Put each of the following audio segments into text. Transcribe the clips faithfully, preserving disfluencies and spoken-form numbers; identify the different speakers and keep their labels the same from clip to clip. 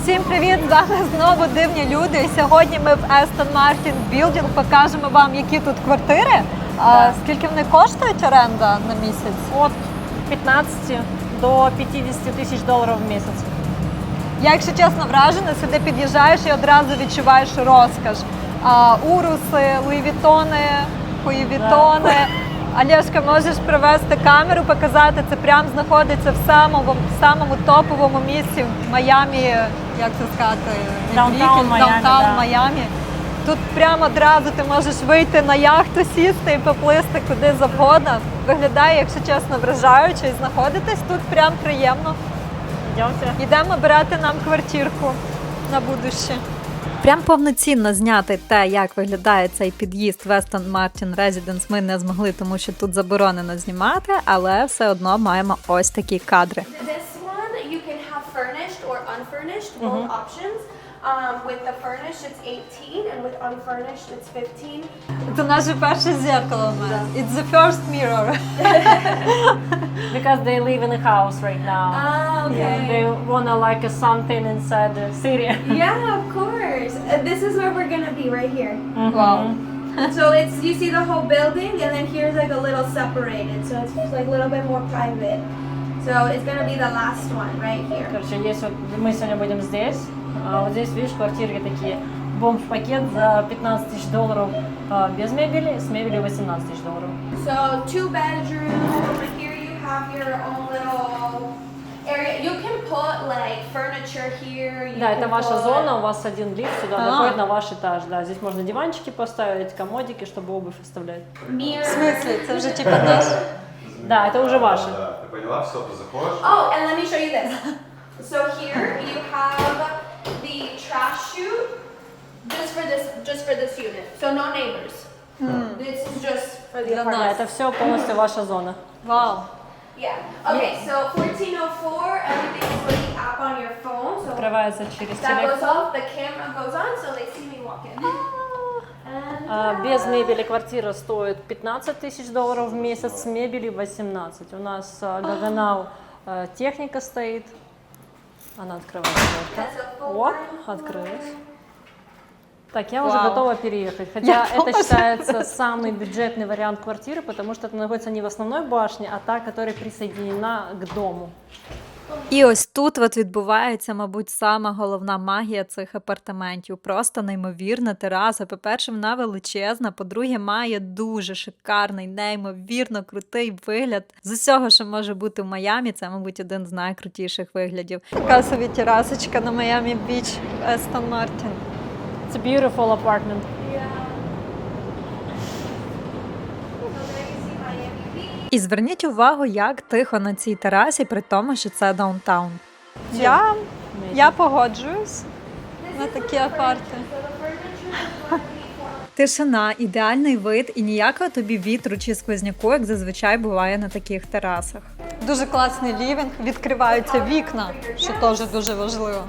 Speaker 1: Всім привіт! З вами знову дивні люди. І сьогодні ми в Aston Martin Building покажемо вам, які тут квартири. А скільки вони коштують оренда на місяць?
Speaker 2: От п'ятнадцять до п'ятдесят тисяч доларів в місяць.
Speaker 1: Я, якщо чесно, вражена, сюди під'їжджаєш і одразу відчуваєш розкош. А, уруси, луївітони, хуївітони. Олешка, можеш привезти камеру, показати, це прямо знаходиться в самому, в самому топовому місці в Майамі, як це сказати,
Speaker 2: Даунтаун Майамі,
Speaker 1: Даунтаун
Speaker 2: да.
Speaker 1: Майамі. Тут прямо одразу ти можеш вийти на яхту, сісти і поплисти куди завгодно. Виглядає, якщо чесно, вражаюче, і знаходитись тут прям приємно.
Speaker 2: Йдемте.
Speaker 1: Йдемо брати нам квартирку на будуще. Прям повноцінно зняти те, як виглядає цей під'їзд в Aston Martin Residence, ми не змогли, тому що тут заборонено знімати, але все одно маємо ось такі кадри.
Speaker 3: This one you can have furnished or unfurnished, both options. Um, with the furnished it's eighteen and with unfurnished it's fifteen.
Speaker 1: Це наше перше зеркало у нас. It's the first mirror.
Speaker 2: Because they live in a house right now.
Speaker 3: Ah, okay.
Speaker 2: They wanna like a something inside the city.
Speaker 3: Yeah, of course. Uh, this is where we're gonna be right here.
Speaker 1: Вау.
Speaker 3: So it's you see the whole building and then here's like a little separated, so it's just like a little bit more private. So it's gonna be the last one right here.
Speaker 2: Короче, есть вот мы сегодня будем здесь. А вот здесь, видишь, квартиры такие. Бомж-пакет за пятнадцать тысяч долларов а, без мебели, с мебелью восемнадцать тысяч долларов.
Speaker 3: So two bedrooms. Over here you have your own little area. You can put like furniture here. You
Speaker 2: Да,
Speaker 3: can
Speaker 2: это ваша
Speaker 3: put-
Speaker 2: зона, у вас один лифт сюда
Speaker 1: А.
Speaker 2: доходит на ваш этаж. Да, здесь можно диванчики поставить, комодики, чтобы обувь оставлять.
Speaker 3: Mirror.
Speaker 1: В смислі? Це вже типа наш?
Speaker 2: Да, это уже ваше.
Speaker 4: Да, ты поняла, все, ты заходишь.
Speaker 3: Oh, and let me show you this. So here you have the trash chute, just for this, just for this unit. So no neighbors. This is just for the
Speaker 1: Для
Speaker 2: Да,
Speaker 3: apartment.
Speaker 2: это все полностью ваша зона.
Speaker 1: Вау.
Speaker 3: Yeah. Okay. So fourteen oh four. Everything is with the app on your phone. So
Speaker 2: Открывается через
Speaker 3: that goes
Speaker 2: телефон.
Speaker 3: off. The camera goes on, so they see me walk in. And
Speaker 2: А, без мебели квартира стоит пятнадцать тысяч долларов в месяц, с мебелью восемнадцать. У нас а, Гаганау а, техника стоит. Она открывается. О, открылась. Так, я уже
Speaker 1: Вау.
Speaker 2: готова переехать. Хотя
Speaker 1: Я
Speaker 2: это
Speaker 1: тоже.
Speaker 2: считается самый бюджетный вариант квартиры, потому что это находится не в основной башне, а та, которая присоединена к дому.
Speaker 1: І ось тут от відбувається, мабуть, сама головна магія цих апартаментів. Просто неймовірна тераса. По-перше, вона величезна, по-друге, має дуже шикарний, неймовірно крутий вигляд. З усього, що може бути в Майамі, це, мабуть, один з найкрутіших виглядів. Така собі терасочка на Майамі Біч в Aston Martin.
Speaker 2: It's a beautiful apartment.
Speaker 3: yeah. So there you see Miami Beach.
Speaker 1: І зверніть увагу, як тихо на цій терасі, при тому, що це даунтаун. Я, я погоджуюсь на такі апарти.
Speaker 3: So the furniture is going to be for
Speaker 1: Тишина, ідеальний вид і ніякого тобі вітру чи сквозняку, як зазвичай буває на таких терасах. Дуже класний лівінг, відкриваються вікна, що теж дуже важливо.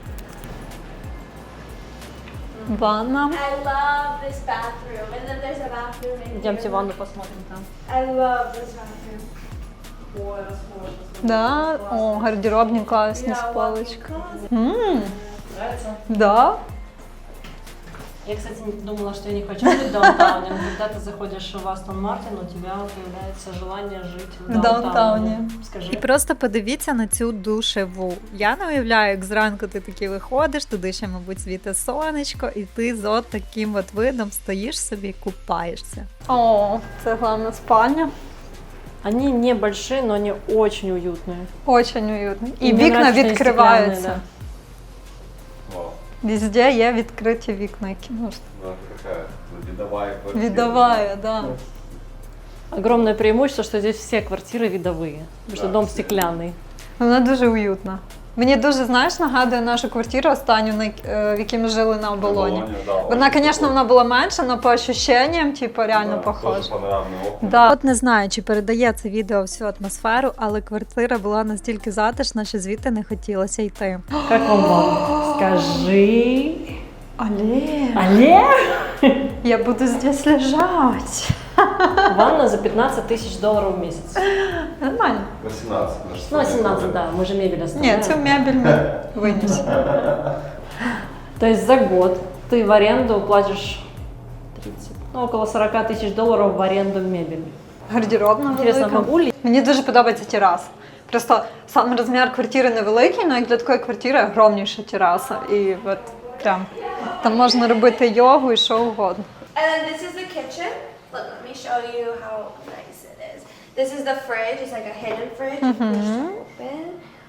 Speaker 1: Ванна.
Speaker 3: I love this bathroom, and then there's a bathroom in
Speaker 2: Идемте
Speaker 3: here.
Speaker 2: ванну посмотрим там.
Speaker 3: I love this bathroom.
Speaker 2: Ой, расхожо.
Speaker 1: Да? О, гардеробні класні з поличками. Ммм,
Speaker 2: Нравится?
Speaker 1: да?
Speaker 2: Я, кстати, думала, что я не хочу жить в даунтауне, но когда ты заходишь в Астон Мартин, у тебя появляется желание жить в
Speaker 1: В
Speaker 2: даунтауне.
Speaker 1: даунтауні.
Speaker 2: Скажи.
Speaker 1: І просто подивіться на цю душеву. Я не уявляю, як зранку ти таки виходиш, туди ще, мабуть, світе сонечко, і ти з от таким от видом стоїш собі і купаєшся. О, це головна спальня.
Speaker 2: Они небольшие, но они очень уютные.
Speaker 1: Очень уютно. І
Speaker 2: Мне
Speaker 1: вікна
Speaker 2: нравится, что они
Speaker 1: відкриваються.
Speaker 2: стеклянные,
Speaker 4: Вау.
Speaker 1: Везде є відкриті вікна, які можна.
Speaker 4: Ну, это какая? Ну, видовая квартира.
Speaker 1: Віддаває, да.
Speaker 2: да. Огромное преимущество, что здесь все квартиры видовые, потому что
Speaker 4: Да,
Speaker 2: дом
Speaker 4: все.
Speaker 2: стеклянный.
Speaker 1: Вона дуже уютна. Мені дуже, знаєш, нагадує нашу квартиру останню, на- е, в якій ми жили на оболоні.
Speaker 4: Оболоні, да,
Speaker 1: Вона,
Speaker 4: очень
Speaker 1: звісно,
Speaker 4: похоже.
Speaker 1: вона була менша, але по ощущенням, типу, реально
Speaker 4: Да,
Speaker 1: похожа.
Speaker 4: тоже панорамные окна.
Speaker 1: Да. От не знаю, чи передає це відео всю атмосферу, але квартира була настільки затишна, що звідти не хотілося йти.
Speaker 2: Как вам ванна? Скажи.
Speaker 1: Але
Speaker 2: Але?
Speaker 1: я буду здесь лежать.
Speaker 2: Ванна за пятнадцать тысяч долларов в месяц.
Speaker 1: Нормально.
Speaker 4: восемнадцать. наш
Speaker 2: Ну,
Speaker 4: столик.
Speaker 2: семнадцать, да, мы же мебель
Speaker 1: Ні,
Speaker 2: оставляем.
Speaker 1: цю мебель ми винесемо.
Speaker 2: То есть за год ты в аренду платишь тридцать, ну, около сорок тысяч долларов в аренду мебели.
Speaker 1: Гардеробна
Speaker 2: Интересно,
Speaker 1: велика.
Speaker 2: могу ли?
Speaker 1: Мені дуже подобається тераса. Просто сам розмір квартири невеликий, але як для такої квартири огромніша тераса. І от прям там можна робити йогу і що угодно.
Speaker 3: And then this is the kitchen. Look, let me show you how nice it is. This is the fridge. It's like a hidden fridge. You push to open.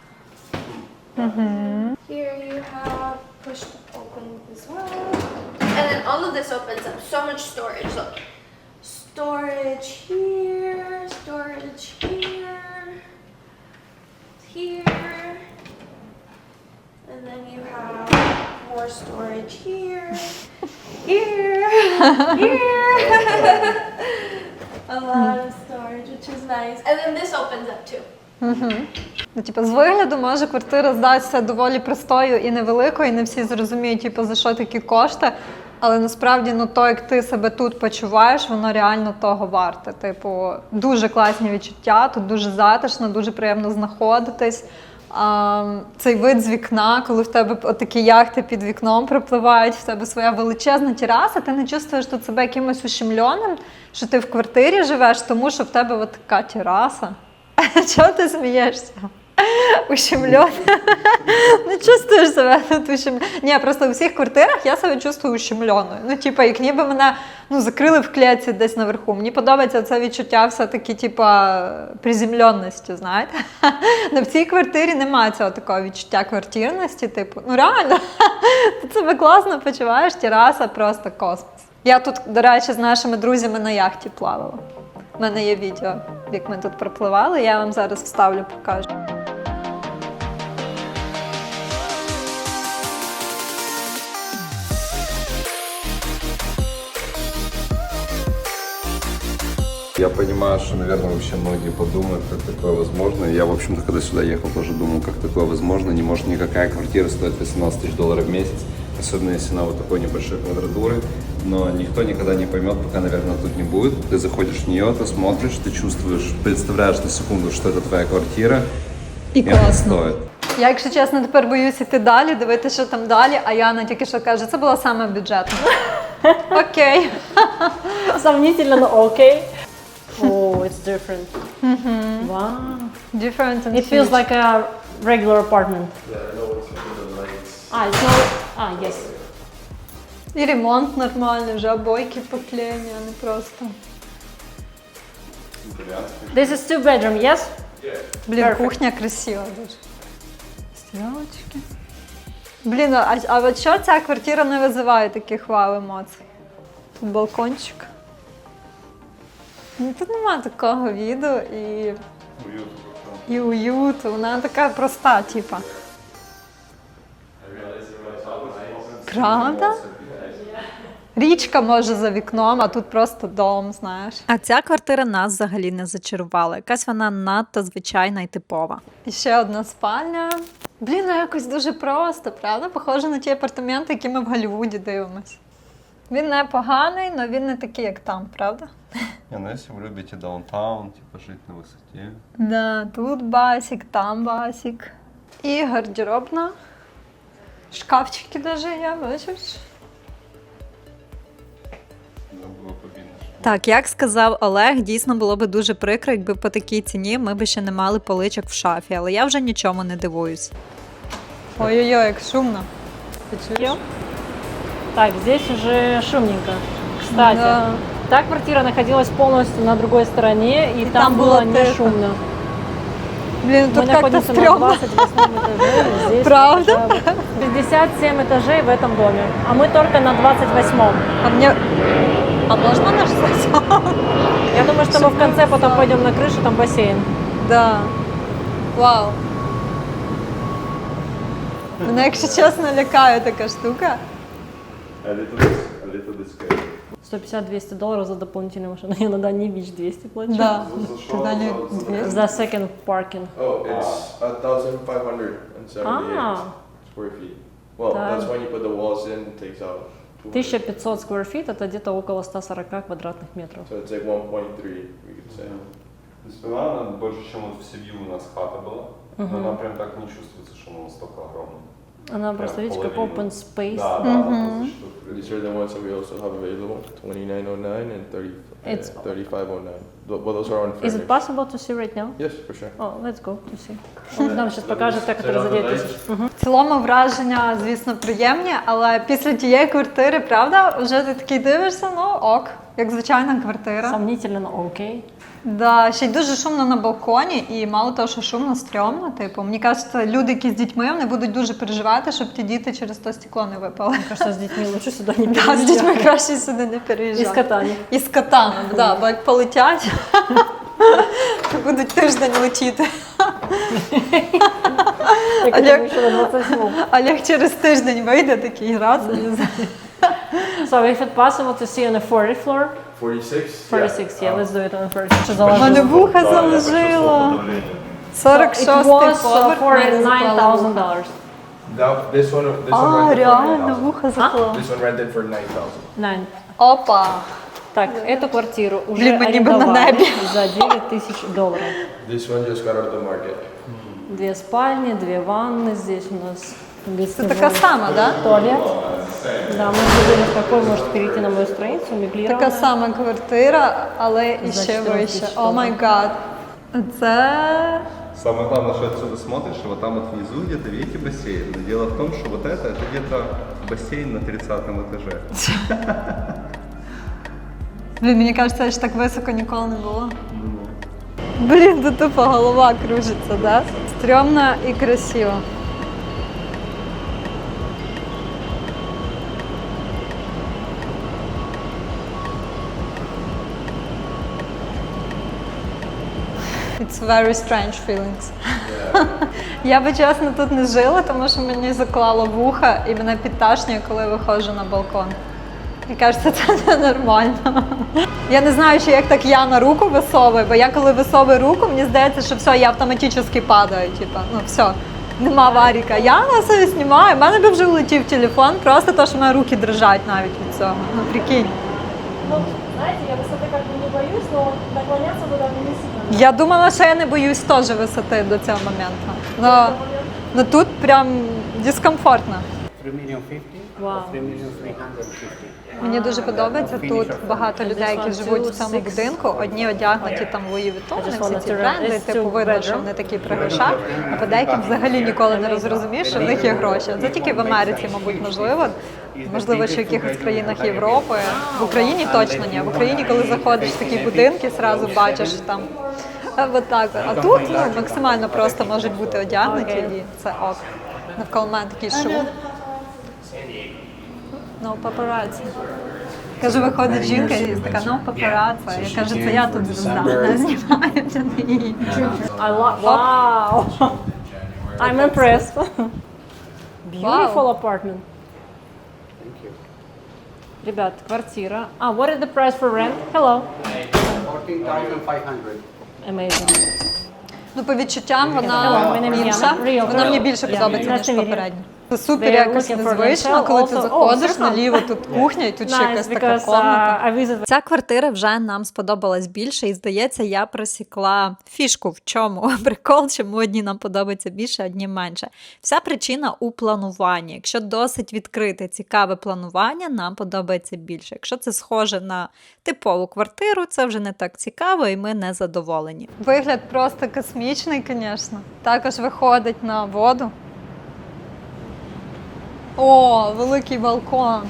Speaker 3: Here you have push to open as well. And then all of this opens up. So much storage. Look. Storage here. Storage here. Here. And then you have more storage here. Here. Here. A lot of storage, which is nice. And then this opens up too.
Speaker 1: Ну, типу, з вигляду може квартира здатися доволі простою і невеликою, і не всі зрозуміють, типу, за що такі кошти. Але насправді, ну, то, як ти себе тут почуваєш, воно реально того варте. Типу, дуже класні відчуття, тут дуже затишно, дуже приємно знаходитись. А, цей вид з вікна, коли в тебе такі яхти під вікном пропливають, в тебе своя величезна тераса, ти не чувствуєш тут себе якимось ущемленим, що ти в квартирі живеш, тому що в тебе от така тераса. Чого ти смієшся? Ущемлен. Не чувствуєш себе тут ущемленою. Ні, просто у всіх квартирах я себе чувствую ущемленою. Ну, типу, як ніби мене ну, закрили в клітці десь наверху. Мені подобається це відчуття все-таки, типу, приземленості, знаєте. Но в цій квартирі немає цього такого відчуття квартирності, типу, ну реально, ти себе класно почуваєш, тераса просто космос. Я тут, до речі, з нашими друзями на яхті плавала. У мене є відео, як ми тут пропливали, я вам зараз вставлю, покажу.
Speaker 4: Я понимаю, что, наверное, вообще многие подумают, как такое возможно. Я, в общем-то, когда сюда ехал, тоже думал, как такое возможно. Не может никакая квартира стоить восемнадцать тысяч долларов в месяц, особенно если она вот такой небольшой квадратуры. Но никто никогда не поймет, пока, наверное, тут не будет. Ты заходишь в нее, ты смотришь, ты чувствуешь, представляешь на секунду, что это твоя квартира.
Speaker 1: І
Speaker 4: это
Speaker 1: класно.
Speaker 4: стоит.
Speaker 1: Я, якщо чесно, тепер боюсь іти далі, дивитися, що там далі, а Яна тільки що каже, це була саме бюджетна. Окей.
Speaker 2: Сомнительно, но окей. Oh, it's different. Wow.
Speaker 1: Different and
Speaker 2: It feels
Speaker 1: huge.
Speaker 2: like a regular apartment.
Speaker 4: Yeah, I know it's under the lights.
Speaker 2: Ah, it's not... Ah, yes.
Speaker 1: І ремонт нормальний, вже обойки поклеєні, а не просто.
Speaker 2: This is two bedroom, yes?
Speaker 1: Блін,
Speaker 2: Perfect.
Speaker 1: кухня красива дуже. Стрілочки. Блін, а, а от що ця квартира не визиває таких вау емоцій? Тут балкончик. Ну, тут нема такого віду і, і уюту. Вона така проста, типа. Правда? Річка може за вікном, а тут просто дом, знаєш. А ця квартира нас взагалі не зачарувала. Якась вона надто звичайна і типова. І ще одна спальня. Блін, ну якось дуже просто, правда? Похоже на ті апартаменти, які ми в Голлівуді дивимось. Він не поганий, але він не такий, як там, правда?
Speaker 4: Не, ну если вы любите даунтаун, типа жить на высоте.
Speaker 1: Да, тут басик, там басик. І гардеробна. Шкафчики даже є, бачиш?
Speaker 4: Да, было победно.
Speaker 1: Так, як сказав Олег, дійсно було би дуже прикро, якби по такій ціні ми б ще не мали поличок в шафі, але я вже нічому не дивуюсь. Ой-ой-ой, як шумно. Ти чуєш?
Speaker 2: Так, здесь уже шумненько. Кстати,
Speaker 1: Да.
Speaker 2: та квартира находилась полностью на другой стороне, и, там,
Speaker 1: там
Speaker 2: было
Speaker 1: было
Speaker 2: не
Speaker 1: тихо.
Speaker 2: шумно.
Speaker 1: Блін,
Speaker 2: Мы
Speaker 1: тут як-то
Speaker 2: находимся на
Speaker 1: стрьомно.
Speaker 2: двадцать восьмом этаже. Здесь
Speaker 1: Правда?
Speaker 2: шестьдесят семь этажей в этом доме, а мы только на двадцать восьмом.
Speaker 1: А мне... А можна наш сосед?
Speaker 2: Я думаю, что мы в конце потом пойдем на крышу, там бассейн.
Speaker 1: Да. Вау. Мене, якщо чесно, лякає така штука.
Speaker 4: A little bit, a little bit scary.
Speaker 2: сто пятьдесят - двести долларов за дополнительную машину. Я на Дани Бич двести плачу.
Speaker 1: Да.
Speaker 4: Зашел,
Speaker 1: Ти далі
Speaker 4: зашел.
Speaker 1: дві.
Speaker 2: За second parking.
Speaker 5: Oh, it's a thousand five hundred and seventy-eight
Speaker 2: Ah.
Speaker 5: square feet. Well,
Speaker 2: Damn.
Speaker 5: that's when you put the walls in, it takes out
Speaker 2: тысяча пятьсот square feet, это где-то около ста сорока квадратных метров.
Speaker 5: So it's like one point three, we could say.
Speaker 4: То есть была она больше, чем вот в Севью у нас хата была, но она прям так не чувствуется, что она настолько огромная.
Speaker 2: Она просто, видите, как
Speaker 4: половину.
Speaker 2: open space.
Speaker 4: Да, да, она просто что-то
Speaker 5: These are the ones that we also have available, twenty-nine oh nine and thirty, uh,
Speaker 2: It's-
Speaker 5: thirty-five oh nine. Th- But those are
Speaker 2: Is
Speaker 5: unfurnished.
Speaker 2: it possible to see right now?
Speaker 5: Yes, for sure.
Speaker 2: Oh, let's go to see. Он нам сейчас покажет, как это разодеть.
Speaker 1: В цілому враження, звісно, приємні, але після тієї квартири, правда, вже ти такий дивишся, ну ок, як звичайна квартира.
Speaker 2: Сомнительно, но окей.
Speaker 1: Да, ще й дуже шумно на балконі, і мало того, що шумно, стрьомно. Типу, мені кажеться, люди, які з дітьми, вони будуть дуже переживати, щоб ті діти через то стекло не випали.
Speaker 2: Кажется, с детьми лучше сюда не
Speaker 1: Да, з
Speaker 2: переезжать.
Speaker 1: дітьми краще сюди не
Speaker 2: И
Speaker 1: переїжджати.
Speaker 2: с котами.
Speaker 1: І з котами, да, бо як полетять, то будуть тиждень летіти.
Speaker 2: Я
Speaker 1: Олег-
Speaker 2: к еще на двадцать седьмом.
Speaker 1: Олег через тиждень вийде такий раз.
Speaker 2: So if it's possible to see on the forty floor,
Speaker 5: Forty-six?
Speaker 2: forty-six, yeah, let's do it on the forty-six. Що
Speaker 1: У
Speaker 2: заложило?
Speaker 1: мене вуха заложило. сорок
Speaker 2: It
Speaker 1: шостий
Speaker 2: was uh,
Speaker 1: поверх.
Speaker 2: for
Speaker 1: мене
Speaker 2: nine
Speaker 1: заклало
Speaker 2: thousand
Speaker 1: вуха.
Speaker 2: dollars.
Speaker 5: That, this one, this one
Speaker 1: А,
Speaker 5: rented for
Speaker 1: реально,
Speaker 5: nine thousand.
Speaker 1: вуха заклало.
Speaker 5: This one rented for nine thousand.
Speaker 2: Nine.
Speaker 1: Опа.
Speaker 2: Так, эту квартиру уже
Speaker 1: Блин, мы не бы на
Speaker 2: арендовали
Speaker 1: небе.
Speaker 2: за девять тысяч долларов.
Speaker 5: This one just got out of the market.
Speaker 2: Две спальни, две ванны, здесь у нас
Speaker 1: Це така сама, да?
Speaker 2: туалет. Да, мы забыли, в какой может перейти на мою страницу, меблированная.
Speaker 1: Така сама квартира, але і
Speaker 2: За
Speaker 1: ще
Speaker 2: чотирнадцять
Speaker 1: вище.
Speaker 2: тисяч
Speaker 1: О май гад. Це
Speaker 4: Самое главное, что отсюда смотришь, и вот там вот внизу где-то, видите, бассейн. Но дело в том, что вот это, это где-то бассейн на тридцатом этаже.
Speaker 1: Блін, мені кажеться, що так високо ніколи не було. Блін, тут тупо голова кружиться, да? Стрьомно і красиво. It's very strange feelings. Я би чесно тут не жила, тому що мені заклало вуха і мене підташнює, коли виходжу на балкон. І кажеться, це ненормально. Я не знаю, чи як так я на руку висовую, бо я коли висовую руку, мені здається, що все, я автоматично падаю. Типа, ну все, нема варіка. Я на себе знімаю, в мене би вже влетів телефон, просто то, що в мене руки дрижать навіть від цього. Ну прикинь.
Speaker 2: Ну, знаете, я высоты как бы не боюсь, но наклоняться туда не сильно.
Speaker 1: Я думала, що я не боюсь теж висоти до цього моменту. Но, но тут прям дискомфортно.
Speaker 6: three million fifty
Speaker 2: Wow.
Speaker 6: or three million three hundred fifty.
Speaker 1: Мені дуже подобається тут багато людей, які живуть в цьому будинку. Одні одягнуті там Луї Вітон, всі ці бренди, типу видно, що вони такі при грошах, а по деяким взагалі ніколи не розрозумієш, що в них є гроші. Це тільки в Америці, мабуть, можливо. Можливо, ще в якихось країнах Європи. В Україні точно ні. В Україні, коли заходиш в такі будинки, зразу бачиш що там. е, от так. А тут ну, максимально просто можуть бути одягнуті, і це ок. Навколо мене такий шум. Ну, папараці. Кажу, виходить жінка і така, ну, папараці. Я кажу, це я тут звезда, не знімається не її.
Speaker 2: I love. Wow. I'm impressed. Beautiful apartment.
Speaker 6: Thank you.
Speaker 2: Ребят, квартира. А, what is the price for rent? Hello.
Speaker 6: fourteen thousand five hundred.
Speaker 2: Amazing.
Speaker 1: Ну, по відчуттям
Speaker 2: Hello,
Speaker 1: вона
Speaker 2: my name is
Speaker 1: інша.
Speaker 2: Yana. Real
Speaker 1: Вона мені
Speaker 2: girl.
Speaker 1: більше
Speaker 2: Yeah.
Speaker 1: подобається,
Speaker 2: Nice
Speaker 1: ніж
Speaker 2: to meet you.
Speaker 1: попередня. Це супер
Speaker 2: They are
Speaker 1: якось
Speaker 2: looking for
Speaker 1: незвично,
Speaker 2: themselves
Speaker 1: коли ти
Speaker 2: also.
Speaker 1: заходиш
Speaker 2: Oh,
Speaker 1: наліво, тут кухня, і тут ще
Speaker 2: Nice,
Speaker 1: якась така
Speaker 2: because
Speaker 1: комната.
Speaker 2: uh, I visit.
Speaker 1: Ця квартира вже нам сподобалась більше, і здається, я просікла фішку в чому прикол, чому одні нам подобаються більше, одні менше. Вся причина у плануванні. Якщо досить відкрите, цікаве планування, нам подобається більше. Якщо це схоже на типову квартиру, це вже не так цікаво, і ми не задоволені. Вигляд просто космічний, звісно. Також виходить на воду. О, великий балкон.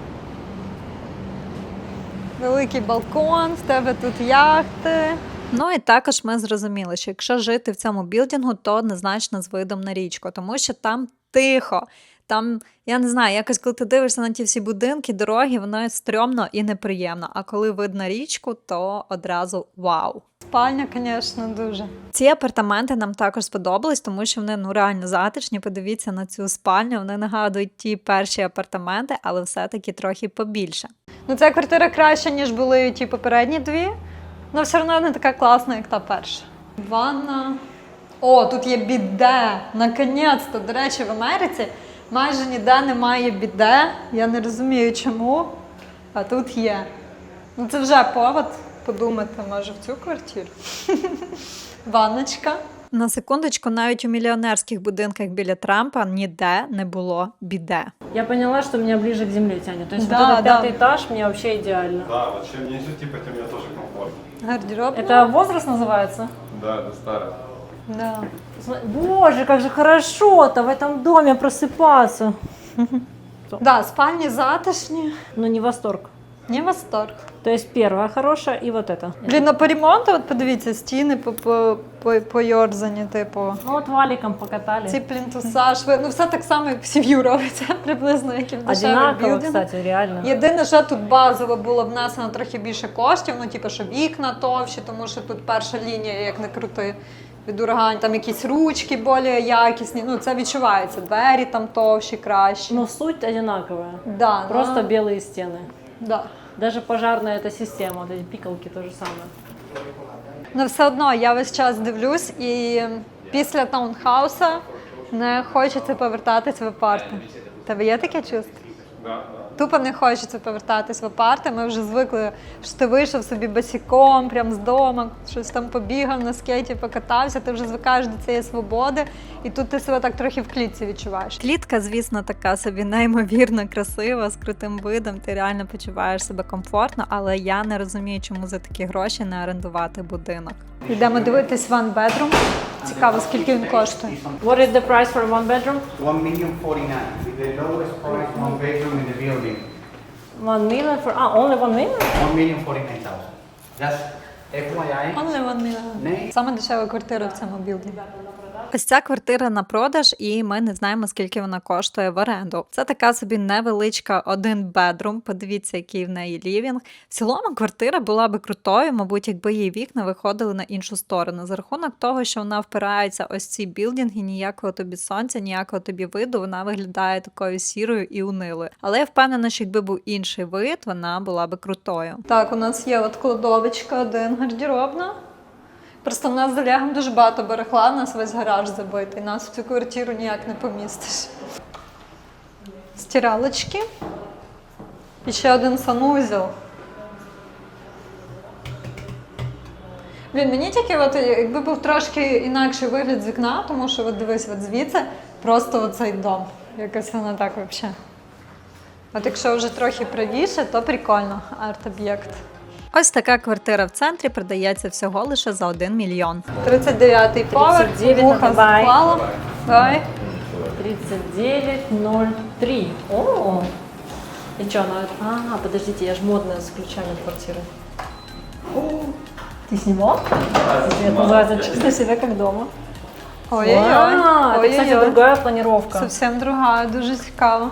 Speaker 1: Великий балкон, в тебе тут яхти. Ну і також ми зрозуміли, що якщо жити в цьому білдингу, то однозначно з видом на річку, тому що там тихо. Там, я не знаю, якось коли ти дивишся на ті всі будинки, дороги, воно стрьомно і неприємно. А коли видно річку, то одразу вау. Спальня, звісно, дуже. Ці апартаменти нам також сподобались, тому що вони ну реально затишні. Подивіться на цю спальню, вони нагадують ті перші апартаменти, але все-таки трохи побільше. Ну, ця квартира краща, ніж були ті попередні дві, але все одно не така класна, як та перша. Ванна. О, тут є біде! Наконець-то! До речі, в Америці Майже ніде немає біде, я не розумію чому, а тут є. Ну це вже повод подумати, може в цю квартиру. Ванночка. На секундочку, навіть у мільйонерських будинках біля Трампа ніде не було біде.
Speaker 2: Я поняла, что меня ближе к земле тянет. То есть
Speaker 1: Да,
Speaker 2: вот этот
Speaker 1: да.
Speaker 2: пятый этаж мне вообще идеально.
Speaker 5: Да, вот чем ниже, типа, тем мне тоже комфортно.
Speaker 1: Гардероб.
Speaker 2: Это возраст называется?
Speaker 5: Да, это старое.
Speaker 1: Да.
Speaker 2: См- Боже, как же хорошо-то в этом доме просыпаться.
Speaker 1: Да, спальні затишні.
Speaker 2: Но не восторг.
Speaker 1: Не восторг.
Speaker 2: То есть первая хорошая и вот это.
Speaker 1: Блін, ну по ремонту, от подивіться, стіни по, по, по, пойорзані, типу.
Speaker 2: Ну вот валиком покатали.
Speaker 1: Ці плінтуса, шви, ну все так само, як в сім'ю робиться, приблизно, як і в дешевих
Speaker 2: Одинаково,
Speaker 1: білдингах.
Speaker 2: кстати, реально.
Speaker 1: Єдине, що тут базово було внесено трохи більше коштів, ну типу, що вікна товщі, тому що тут перша лінія, як не крути, від урагань, там якісь ручки більш якісні, ну це відчувається, двері там товщі, кращі.
Speaker 2: Но суть одинаковая.
Speaker 1: да,
Speaker 2: Просто
Speaker 1: ну,
Speaker 2: белые стены.
Speaker 1: да.
Speaker 2: Даже пожарная эта система, вот эти пикалки то же самое.
Speaker 1: Ну все одно я весь час дивлюсь і після таунхауса не хочеться повертатись в апарти. Тебе є таке чувство? Тупо не хочеться повертатись в апарти. Ми вже звикли, що ти вийшов собі босиком, прям з дому, щось там побігав на скейті, покатався, ти вже звикаєш до цієї свободи, і тут ти себе так трохи в клітці відчуваєш. Клітка, звісно, така собі неймовірно красива, з крутим видом, ти реально почуваєш себе комфортно, але я не розумію, чому за такі гроші не орендувати будинок. Йдемо дивитись one bedroom. Цікаво, скільки він коштує.
Speaker 2: What is the price for one bedroom?
Speaker 6: One million forty-nine, with the lowest price one bedroom in the building.
Speaker 2: One million for, ah, only one million?
Speaker 6: One million forty-nine thousand. Just F Y I.
Speaker 1: Only one million.
Speaker 6: Ні.
Speaker 1: Саме дешева квартира в цьому білдингу. Ось ця квартира на продаж, і ми не знаємо, скільки вона коштує в оренду. Це така собі невеличка один бедрум. Подивіться, який в неї лівінг. В цілому квартира була би крутою, мабуть, якби її вікна виходили на іншу сторону. За рахунок того, що вона впирається ось ці білдинги, ніякого тобі сонця, ніякого тобі виду, вона виглядає такою сірою і унилою. Але я впевнена, що якби був інший вид, вона була би крутою. Так, у нас є от кладовочка, один гардеробна. Просто в нас з Олегом дуже багато барахла, у нас весь гараж забитий, нас в цю квартиру ніяк не помістиш. Стиралочки. І ще один санузел. Блін, мені тільки, от, якби був трошки інакший вигляд з вікна, тому що от дивись, от звідси просто оцей дом. Якось воно так взагалі. От якщо вже трохи правіше, то прикольно, арт-об'єкт. Ось така квартира в центрі продається всього лише за один мільйон. тридцять дев'ятий поверх,
Speaker 2: тридцять дев'ять,
Speaker 1: вуха
Speaker 2: давай.
Speaker 1: запала. Давай.
Speaker 2: тридцать девять ноль три. О! И что, она... А, подождите, я же модная с ключами квартиры. Ты снимал? Это называется «Чувствуй себя как дома».
Speaker 1: Ой-ой-ой.
Speaker 2: А, это, кстати,
Speaker 1: Ой-ой-ой.
Speaker 2: другая планировка.
Speaker 1: Совсем друга, дуже цікаво.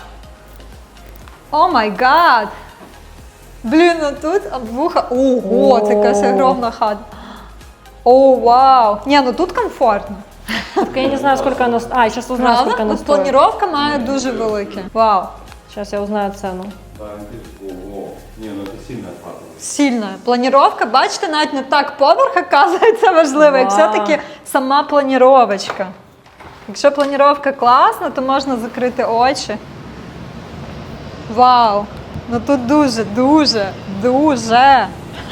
Speaker 1: О май гад! Блін, ну тут вуха. Ого, це якась
Speaker 2: О.
Speaker 1: огромна хата. О, вау! Ні, ну тут комфортно.
Speaker 2: Только я не знаю, сколько она... ст- А, я сейчас узнаю, сколько
Speaker 1: Правда?
Speaker 2: она
Speaker 1: От
Speaker 2: стоит.
Speaker 1: планіровка має дуже велике. Вау.
Speaker 2: Сейчас я узнаю цену.
Speaker 5: Да, ого. Не, ну это сильно опасно.
Speaker 1: Сильна. Планіровка, бачите, навіть не так поверх, оказується важливо, як
Speaker 2: Вау.
Speaker 1: все-таки сама планіровочка. Якщо планіровка класна, то можна закрити очі. Вау! Ну тут дуже, дуже, дуже.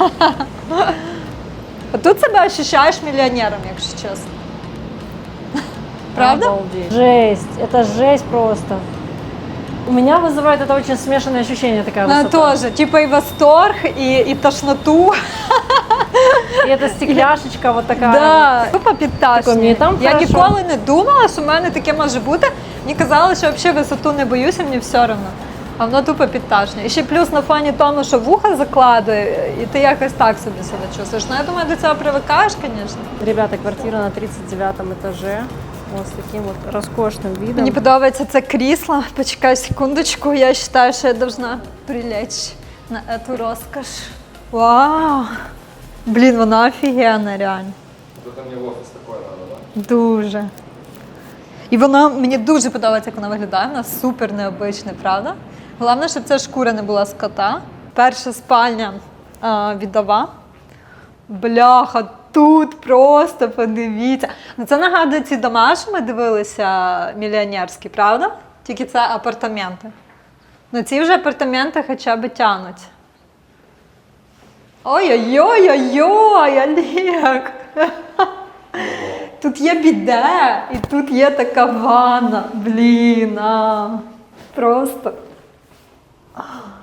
Speaker 1: А тут себе ощущаєш мільйонером, якщо чесно. Правда?
Speaker 2: Обалдеть. Жесть, это жесть просто. У меня вызывает это очень смешанное ощущение, такая
Speaker 1: Ну,
Speaker 2: высота.
Speaker 1: теж, типу і восторг, і, і тошноту.
Speaker 2: И эта стекляшечка вот такая.
Speaker 1: Да, тупо підташні.
Speaker 2: Такой, мені там
Speaker 1: Я
Speaker 2: хорошо.
Speaker 1: ніколи не думала, що в мене таке може бути. Мені казали, що взагалі висоту не боюся, мені все одно. А воно тупо підташне. І ще плюс на фоні тому, що вуха закладує, і ти якось так собі себе чувствуєш. Ну, я думаю, до цього привикаєш, звісно.
Speaker 2: Ребята, квартира на тридцать девятом этаже. Вот с таким вот роскошным видом.
Speaker 1: Мені подобається це крісло. Почекай секундочку, я вважаю, що я должна прилечь на цю розкош. Вау! Блін, вона офігенна, реально.
Speaker 5: Вот это мне в офис такое надо, да?
Speaker 1: Дуже. І вона, мені дуже подобається, як вона виглядає. Вона супер необична, правда? Головне, щоб ця шкура не була з кота. Перша спальня а, віддова. Бляха, тут просто подивіться. Ну, це нагадує ці дома, що ми дивилися мільйонерські, правда? Тільки це апартаменти. Ну ці вже апартаменти хоча б тянуть. Ой-ой-ой-ой-ой, Олег! Тут є біде, і тут є така ванна. Блін, а. Просто. А.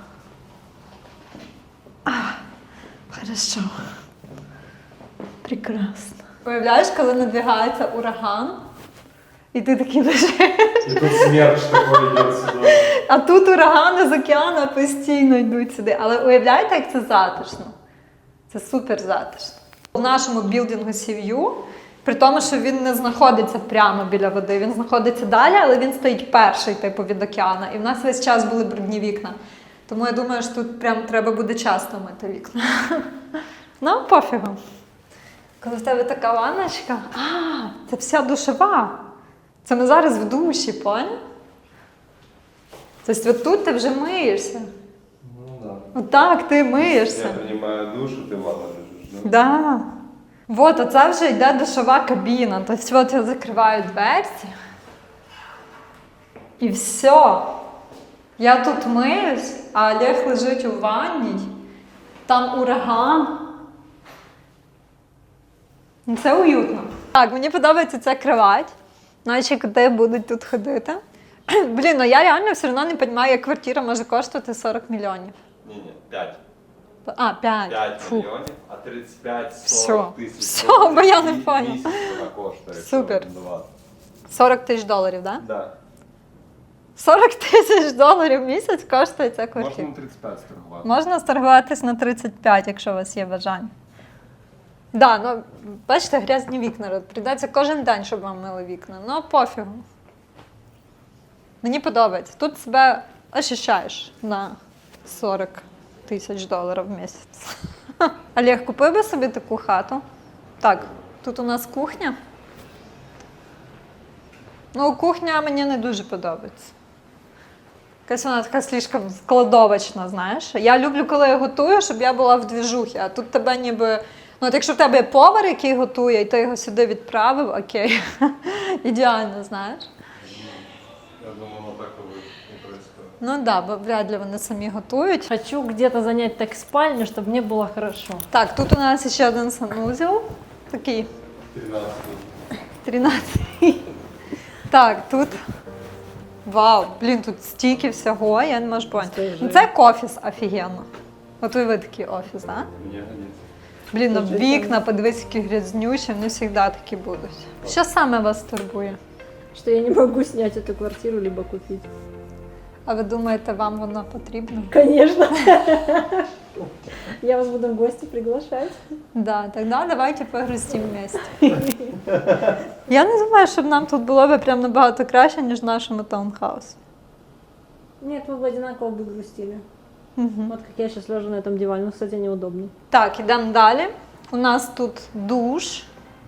Speaker 1: А. Хорошо. Прекрасно. Уявляєш, коли надвигається ураган, і ти такий лежиш.
Speaker 5: И тут смерч такой идет сюда.
Speaker 1: А тут урагани з океану постійно йдуть сюди. Але уявляєте, як це затишно? Це супер затишно. В нашому білдингу Сів'ю, при тому, що він не знаходиться прямо біля води, він знаходиться далі, але він стоїть перший, типу, від океану. І в нас весь час були брудні вікна. Тому я думаю, що тут прям треба буде часто мити вікна. Ну, пофігу. Коли в тебе така ванночка, а, це вся душова. Це ми зараз в душі, поняв? Тобто от тут ти вже миєшся.
Speaker 4: Ну да.
Speaker 1: Отак ти миєшся.
Speaker 4: Я принимаю душ, и ты в ванну лежишь, да?
Speaker 1: Да. Вот, а це вже йде душова кабіна. Тобто от я закриваю дверці. І все. Я тут миюсь, а Олег лежить у ванній. Там ураган. Ну, це уютно. Так, мені подобається ця кровать. Наші коти будуть тут ходити. Блін, ну я реально все одно не розумію, як квартира може коштувати сорок мільйонів.
Speaker 5: Не-не, пять.
Speaker 1: А, п'ять.
Speaker 5: пять
Speaker 1: Фу.
Speaker 5: миллионов, а тридцать пять
Speaker 1: Всё.
Speaker 5: сорок тысяч.
Speaker 1: Всё, бо я не
Speaker 5: И
Speaker 1: понял.
Speaker 5: месяц она коштует.
Speaker 1: Супер.
Speaker 5: двадцать.
Speaker 1: сорок тисяч доларів, так? Да?
Speaker 5: Да.
Speaker 1: сорок тисяч доларів в місяць коштує ця
Speaker 4: Можно
Speaker 1: квартира.
Speaker 4: на тридцать пять торговать.
Speaker 1: Можна сторгуватись на тридцять п'ять, якщо у вас є бажання. Так, да, ну, бачите, грязні вікна. Прийдеться кожен день, щоб вам мили вікна. Ну, пофігу. Мені подобається. Тут себе ощущаєш на сорок тисяч доларів в місяць. Олег, купив би собі таку хату? Так, тут у нас кухня. Ну, кухня мені не дуже подобається. Якась вона така слишком складовочна, знаєш. Я люблю, коли я готую, щоб я була в двіжухі, а тут тебе ніби... Ну, от якщо в тебе є повар, який готує, і ти його сюди відправив, окей. Ідеально, знаєш.
Speaker 5: Я думаю, вот так вот не происходит.
Speaker 1: Ну так, да, бо вряд ли вони самі готують.
Speaker 2: Хочу где-то занять так спальню, чтобы мне было хорошо.
Speaker 1: Так, тут у нас ще один санузел. Такий
Speaker 5: тринадцать.
Speaker 1: тринадцять. Так, тут. Вау, блін, тут стільки всього, я не можу поняти. Ну, це як офіс офігенно. От уяви такий офіс, так? Да?
Speaker 5: Мне годится.
Speaker 1: Блін, ну вікна, подивись, які грязнючі, вони завжди такі будуть. Що саме вас турбує?
Speaker 2: Что я не могу снять эту квартиру, либо купить.
Speaker 1: А ви думаєте, вам воно потрібно?
Speaker 2: Конечно. Я вас буду в гости приглашать.
Speaker 1: Да, тогда давайте погрустим вместе. Я не думаю, щоб нам тут було б прям набагато краще, ніж в нашому таунхаусі.
Speaker 2: Нет, мы бы одинаково бы грустили.
Speaker 1: Угу.
Speaker 2: Вот как я сейчас лежу на этом диване. Ну, кстати, неудобно.
Speaker 1: Так, ідемо далі. У нас тут душ.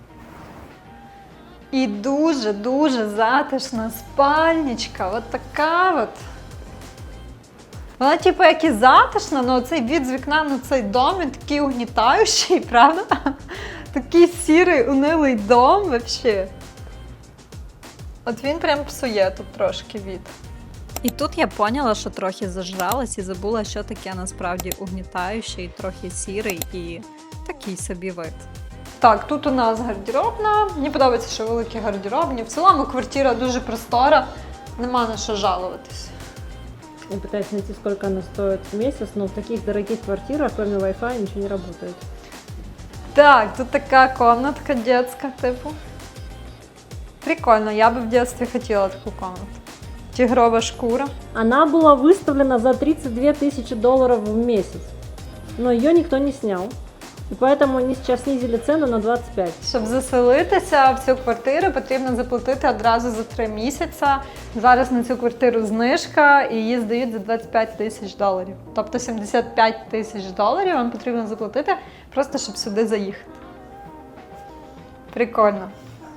Speaker 1: І дуже-дуже затишна спальничка. От така от. Вона, типу, як і затишна, але цей від з вікна на цей дом, він такий угнітаючий, правда? Такий сірий, унилий дом, взагалі. От він прям псує тут трошки від. І тут я поняла, що трохи зажралась і забула, що таке насправді угнітаючий, трохи сірий і такий собі вид. Так, тут у нас гардеробна. Мені подобається, що великі гардеробні. В цілому квартира дуже простора, нема на що жалуватись.
Speaker 2: Я пытаюсь найти, сколько она стоит в месяц, но в таких дорогих квартирах, кроме Wi-Fi, ничего не работает.
Speaker 1: Так, тут така комнатка детська, типу. Прикольно, я би в дитинстві хотіла таку комнату. Тигрова шкура.
Speaker 2: Она была выставлена за тридцать две тысячи долларов в месяц, но ее никто не снял. И поэтому они сейчас снизили цену на двадцать пять.
Speaker 1: Щоб заселитися в цю квартиру, потрібно заплатити одразу за три місяці. Зараз на цю квартиру знижка і її здають за двадцять п'ять тисяч доларів. Тобто сімдесят п'ять тисяч доларів вам потрібно заплатити, просто щоб сюди заїхати. Прикольно.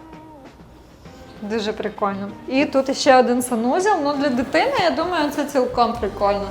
Speaker 1: Дуже прикольно. І тут ще один санузел. Ну, для дитини, я думаю, це цілком прикольно.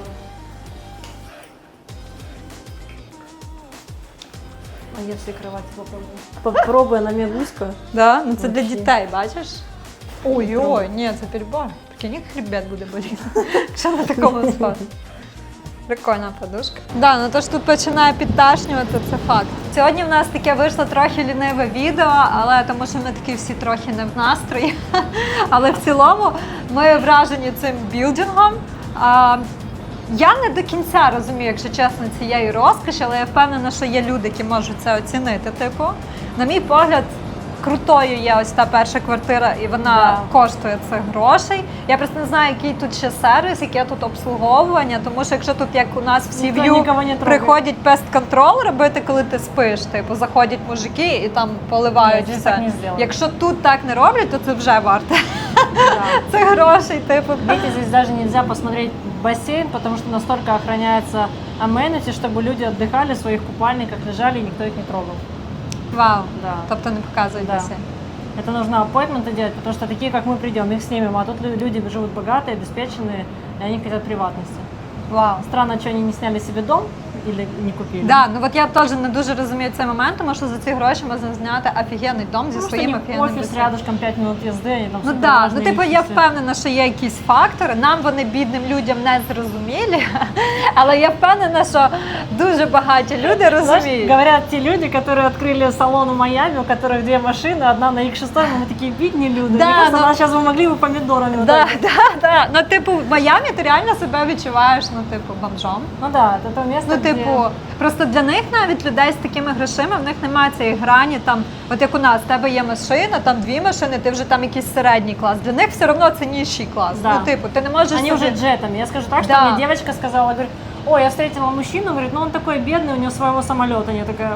Speaker 2: А я всей кровати попробую. Попробуй, она мягуська.
Speaker 1: Да? Ну, це для
Speaker 2: Вообще.
Speaker 1: дітей, бачиш? Ой-ой, ні, це перебор. Прикинь, як хребет буде боліти. Що на такому спати? Прикольна подушка. Да, ну то ж тут починає підташнювати, це факт. Сьогодні в нас таке вийшло трохи ліниве відео, але тому що ми такі всі трохи не в настрої. Але в цілому ми вражені цим білдингом. А, я не до кінця розумію, якщо чесно, цієї розкоші, але я впевнена, що є люди, які можуть це оцінити. Типу, на мій погляд, крутою є ось та перша квартира, і вона
Speaker 2: Да.
Speaker 1: коштує цих грошей. Я просто не знаю, який тут ще сервіс, яке тут обслуговування, тому що якщо тут, як у нас в
Speaker 2: Ніхто
Speaker 1: Сів'ю,
Speaker 2: нікого не трогає.
Speaker 1: приходять пест-контрол робити, коли ти спиш, типу, заходять мужики і там поливають
Speaker 2: Ні, здесь
Speaker 1: все.
Speaker 2: так не зроблять.
Speaker 1: Якщо тут так не роблять, то це вже варте.
Speaker 2: Да.
Speaker 1: Це грошей, типу.
Speaker 2: Видите, здесь даже нельзя посмотреть бассейн, потому что настолько охраняется amenities, чтобы люди отдыхали в своих купальниках, лежали, и никто их не трогал.
Speaker 1: Вау.
Speaker 2: Да.
Speaker 1: Тобто не показують
Speaker 2: Да.
Speaker 1: басейн.
Speaker 2: Это нужно аппойтменты делать, потому что такие, как мы придем, их снимем, а тут лю- люди живут богатые, обеспеченные, и они хотят приватности.
Speaker 1: Вау.
Speaker 2: Странно, что они не сняли себе дом или не купили.
Speaker 1: Да, ну от я теж не дуже розумію цей момент, тому що за ці гроші можна зняти офігенний дом зі
Speaker 2: Потому что
Speaker 1: своїм
Speaker 2: у них
Speaker 1: офігенним
Speaker 2: офис
Speaker 1: басейном.
Speaker 2: рядышком, пять минут езды, они там
Speaker 1: Ну
Speaker 2: супер
Speaker 1: так,
Speaker 2: важные
Speaker 1: ну типу я
Speaker 2: личности.
Speaker 1: впевнена, що є якісь фактори. Нам вони бідним людям не зрозумілі, але я впевнена, що дуже багаті люди
Speaker 2: Знаешь,
Speaker 1: розуміють.
Speaker 2: говорят те люди, которые открыли салон в Майами, у которых две машины, одна на икс шесть, мы такие бедные люди.
Speaker 1: Да,
Speaker 2: Мне кажется,
Speaker 1: но-
Speaker 2: нас сейчас вы могли бы помидорами. вот
Speaker 1: Да,
Speaker 2: так.
Speaker 1: да, да. Ну, типу, в Майамі ти реально себе відчуваєш, ну, типу, бомжом.
Speaker 2: Ну да, это то место,
Speaker 1: Ну,
Speaker 2: где...
Speaker 1: типу, просто для них навіть людей з такими грошима, в них немає цієї грані, там, от як у нас, в тебе є машина, там дві машини, ти вже там якийсь середній клас. Для них все одно це нижчий клас.
Speaker 2: Да.
Speaker 1: Ну, типу, ти не можеш
Speaker 2: Они
Speaker 1: собі-
Speaker 2: уже джетами. Я скажу так, что
Speaker 1: Да.
Speaker 2: мне девочка сказала, говорит, ой, я встретила мужчину, говорит, ну он такой бедный, у него своего самолета. Я такая,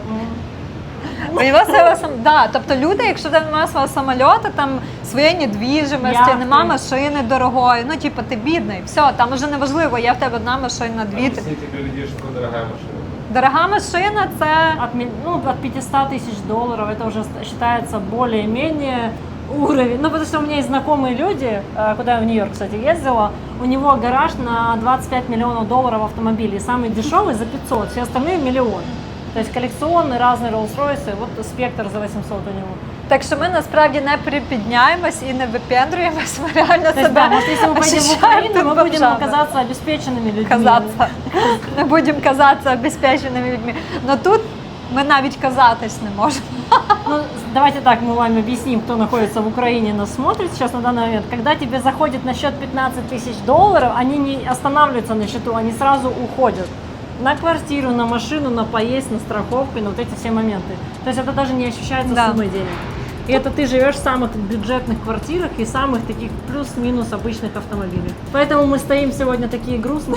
Speaker 2: «М».
Speaker 1: У нього свого сам... да, тобто люди, якщо в тебе немає свого самольоту, там своєї недвіжимості,
Speaker 2: Яхти.
Speaker 1: нема машини дорогої, ну типу ти бідний, все, там уже неважливо, є в тебе одна машина, дві. ти-
Speaker 5: Объясните для людей, что такое дорогая машина.
Speaker 1: Дорога машина це
Speaker 2: От, ми- ну, от пятьсот тысяч долларов, это уже ст- считается более-менее уровень. Ну, потому что у меня есть знакомые люди, э, куда я в Нью-Йорк, кстати, ездила, у него гараж на двадцать пять миллионов долларов автомобилей. Самый дешевый за пятьсот, все остальные миллионы. То есть коллекционные разные Rolls-Royce, вот спектр за восемьсот у него.
Speaker 1: так, що ми насправді не припідняємось і не випендрюємось, ми реально
Speaker 2: То есть,
Speaker 1: себе
Speaker 2: да, может, если мы поедем в
Speaker 1: ощущаємо
Speaker 2: Украину, мы будем
Speaker 1: бомжами.
Speaker 2: оказаться обеспеченными людьми.
Speaker 1: Казатися. Не будемо казатися обезпеченими людьми. Но тут ми навіть казатись не можемо.
Speaker 2: Ну, давайте так, мы вам объясним, кто находится в Украине, нас смотрит сейчас на данный момент. Когда тебе заходит на счет пятнадцать тысяч долларов, они не останавливаются на счету, они сразу уходят. На квартиру, на машину, на поесть, на страховку, на вот эти все моменты. То есть это даже не ощущается
Speaker 1: Да.
Speaker 2: суммой денег. И это ты живешь в самых бюджетных квартирах и самых таких плюс-минус обычных автомобилях. Поэтому мы стоим сегодня такие грустные.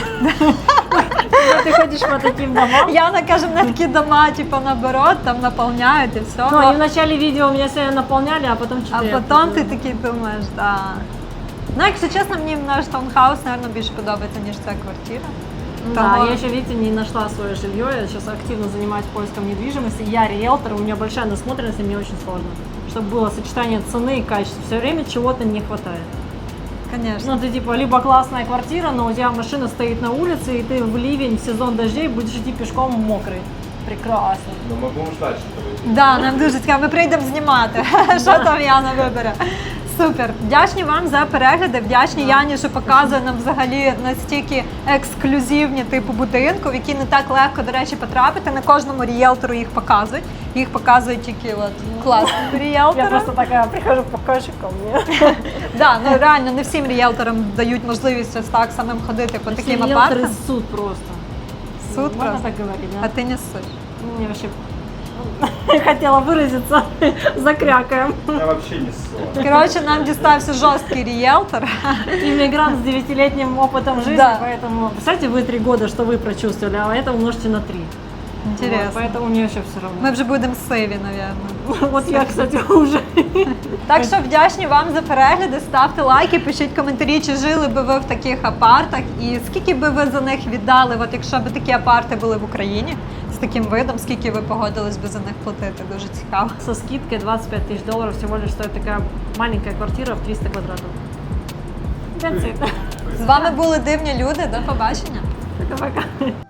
Speaker 2: Ты ходишь по таким домам.
Speaker 1: Яна каже, мене такі дома, типу, наоборот, там наповняють і все.
Speaker 2: Ну, и в начале видео меня сегодня наполняли, а потом
Speaker 1: А
Speaker 2: что-то...
Speaker 1: потім ти такий думаєш, да. Ну, якщо чесно, мені наш таунхаус, мабуть, більше подобається, ніж ця квартира.
Speaker 2: Да,
Speaker 1: Того-
Speaker 2: я еще, видите, не нашла свое жилье, я сейчас активно занимаюсь поиском недвижимости. Я риэлтор, у меня большая насмотренность, и мне очень сложно. Чтобы было сочетание цены и качества. Все время чего-то не хватает.
Speaker 1: Звісно.
Speaker 2: Ну, ты типа, либо классная квартира, но у тебя машина стоит на улице, и ты в ливень, в сезон дождей будешь идти пешком мокрый. Прекрасно.
Speaker 5: Но мы будем ждать, что вы...
Speaker 1: Да, нам дуже цікаво. Ми прийдемо знімати. Що там Яна вибере? Супер. Вдячні вам за перегляди. Вдячні Яні, що показує нам взагалі настільки ексклюзивні типу будинку, в які не так легко, до речі, потрапити. Не кожному ріелтору їх показують. Їх показують тільки от класні
Speaker 2: Я
Speaker 1: ріелтори.
Speaker 2: просто такая прихожу, покажи ко мне.
Speaker 1: Да, ну реально не всім ріелторам дають можливість ось так самим ходити по таким
Speaker 2: Все
Speaker 1: апартам.
Speaker 2: риэлторы суд просто.
Speaker 1: Суд
Speaker 2: Можно
Speaker 1: просто.
Speaker 2: так говорить,
Speaker 1: А
Speaker 2: да?
Speaker 1: ти не суть.
Speaker 2: Мне вообще хотела выразиться, закрякаем.
Speaker 5: Я вообще не ссылаю.
Speaker 1: Коротше, нам дістався жорсткий ріелтор.
Speaker 2: Иммигрант с девятилетним опытом жизни,
Speaker 1: Да.
Speaker 2: поэтому представьте вы три года, что вы прочувствовали, а это умножьте на три.
Speaker 1: Інтересно.
Speaker 2: Вот, поэтому мне вообще все равно.
Speaker 1: Ми вже будемо сиві, мабуть.
Speaker 2: Вот я, кстати, уже.
Speaker 1: Так що вдячні вам за перегляди, ставте лайки, пишіть коментарі, чи жили би ви в таких апартах і скільки би ви за них віддали, от якщо б такі апарти були в Україні з таким видом, скільки ви погодились би за них платити, дуже цікаво.
Speaker 2: Со скидкой двадцать пять тысяч долларов всего лишь стоит такая маленькая квартира в триста квадратов. That's it.
Speaker 1: З вами були дивні люди, до побачення.
Speaker 2: Пока-пока.